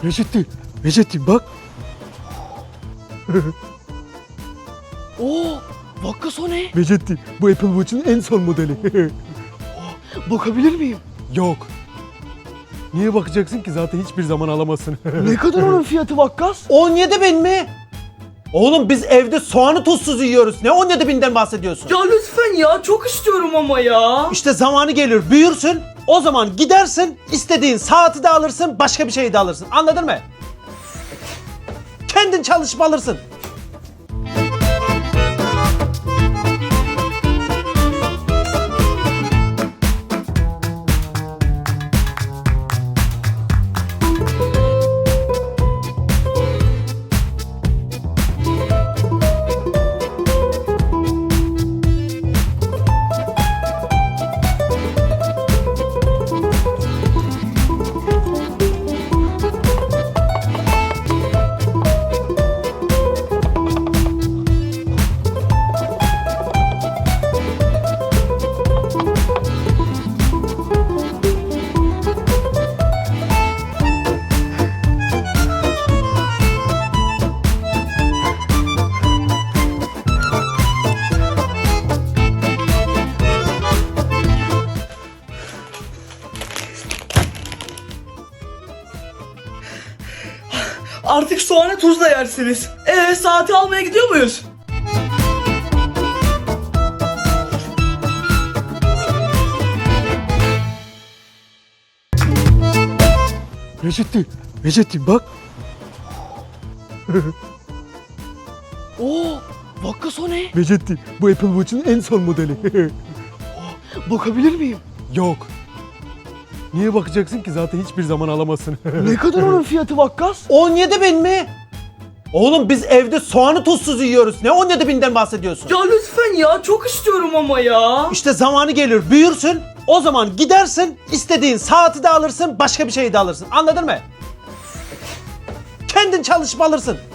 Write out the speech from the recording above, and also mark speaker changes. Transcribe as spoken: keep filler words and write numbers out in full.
Speaker 1: Recep'ti. Recep'ti bak.
Speaker 2: Oo, Vakkas o ne?
Speaker 1: Recep'ti. Bu Apple Watch'un en son modeli.
Speaker 2: Bakabilir miyim?
Speaker 1: Yok. Niye bakacaksın ki, zaten hiçbir zaman alamazsın.
Speaker 2: Ne kadar onun fiyatı Vakkas?
Speaker 3: on yedi bin mi? Oğlum biz evde soğanı tuzsuz yiyoruz. Ne on yedi binden bahsediyorsun?
Speaker 2: Ya lütfen ya, çok istiyorum ama ya.
Speaker 3: İşte zamanı gelir, büyürsün. O zaman gidersin, istediğin saati de alırsın, başka bir şeyi de alırsın. Anladın mı? Kendin çalışıp alırsın.
Speaker 2: Artık soğanı tuzla yersiniz. Ee, saati almaya gidiyor muyuz?
Speaker 1: Recep'ti. Recep'ti bak.
Speaker 2: Oo, Vakkas o ne?
Speaker 1: Recep'ti. Bu Apple Watch'un en son modeli.
Speaker 2: Bakabilir miyim?
Speaker 1: Yok. Niye bakacaksın ki, zaten hiçbir zaman alamazsın.
Speaker 2: Ne kadar onun fiyatı Vakkas?
Speaker 3: on yedi bin mi? Oğlum biz evde soğanı tuzsuz yiyoruz. Ne on yedi binden bahsediyorsun?
Speaker 2: Ya lütfen ya, çok istiyorum ama ya.
Speaker 3: İşte zamanı gelir, büyürsün. O zaman gidersin, istediğin saati de alırsın, başka bir şeyi de alırsın. Anladın mı? Kendin çalışıp alırsın.